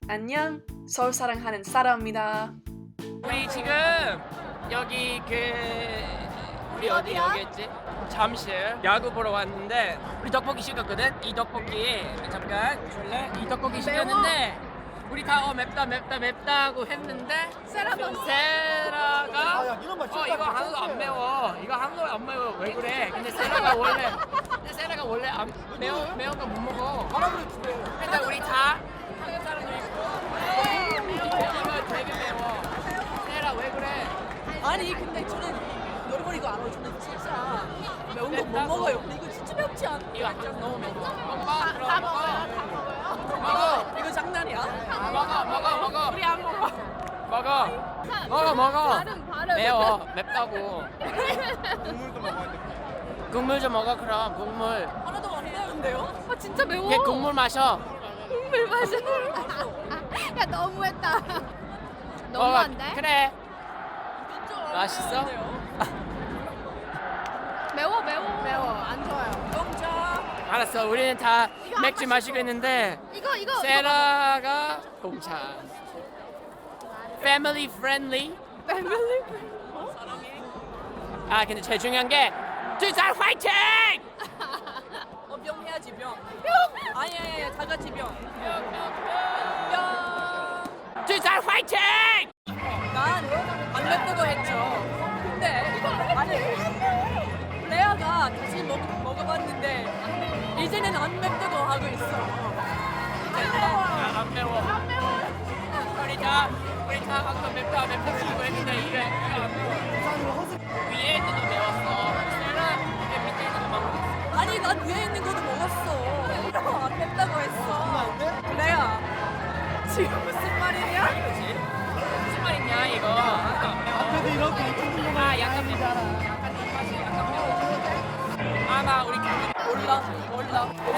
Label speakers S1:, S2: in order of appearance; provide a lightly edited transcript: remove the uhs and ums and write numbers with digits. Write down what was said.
S1: 안녕, 서울 사랑하는 사라입니다.
S2: 우리 지금 여기 우리 어디 여기였지? 잠실 야구 보러 왔는데 우리 떡볶이 시켰거든? 이 떡볶이 잠깐 줄래? 이 떡볶이 시켰는데 우리 다 맵다 하고 했는데 세라가 이거 한국 안 매워 왜 그래? 근데 세라가 원래 안 매운 거 못 먹어. 근데 우리 다 한국 사람도 있고 이거 되게 매워. 세라 왜 그래?
S3: 아니 근데 저는 여러분 이거 알아요. 저는 진짜 매운 거 못 먹어요. 근데 이거 진짜 맵지 않아?
S2: 이거 안 너무 매워. 먹어
S3: 다 먹어요.
S2: 먹어.
S3: 이거 장난이야?
S2: 먹어.
S3: 우리 안 먹어.
S2: 먹어.
S3: 발음.
S2: 매워. 맵다고.
S4: 국물도 먹어야 돼.
S2: 국물 좀 먹어 그럼. 국물.
S3: 하나도 안 매운데요? 아 진짜 매워.
S2: 걔 국물 마셔.
S3: 국물 마셔.
S5: 야 너무했다.
S2: 먹어.
S5: 너무한데?
S2: 그래.
S3: 진짜 안
S2: 맛있어?
S3: 매운데요?
S5: 매워. 안 좋아요.
S3: 공짜.
S2: 알았어. 우리는 다
S5: 이거
S2: 맥주
S5: 안
S2: 마시고 있는데
S5: 이거
S2: 세라가 공차. Family friendly.
S5: 패밀리.
S2: 아 근데 제일 중요한 게 두살 화이팅!
S3: 병 해야지 병. 아니야 다 같이 병.
S2: 두살 화이팅!
S3: 난안 맵다고 했죠. 근데 아니 레아가 다시 먹어봤는데 이제는 안 맵다고 하고 있어.
S2: 안 매워. 우리 다 아까 맵다 하고 했는데 이게 안 매워. 위에 있는 거 매웠어. 세라 이게 밑에 있는 거만 먹었어.
S3: 아니 난 위에 있는 것도 먹었어. 안 맵다고 했어. 레아 지금 무슨 말이냐?
S2: 이거지? 무슨 말이냐 이거? 안 매워.
S4: 그래도 이렇게
S2: 아 약간 매워. 약간 좀 맛이 약간 매워. 아마 우리
S3: 몰라.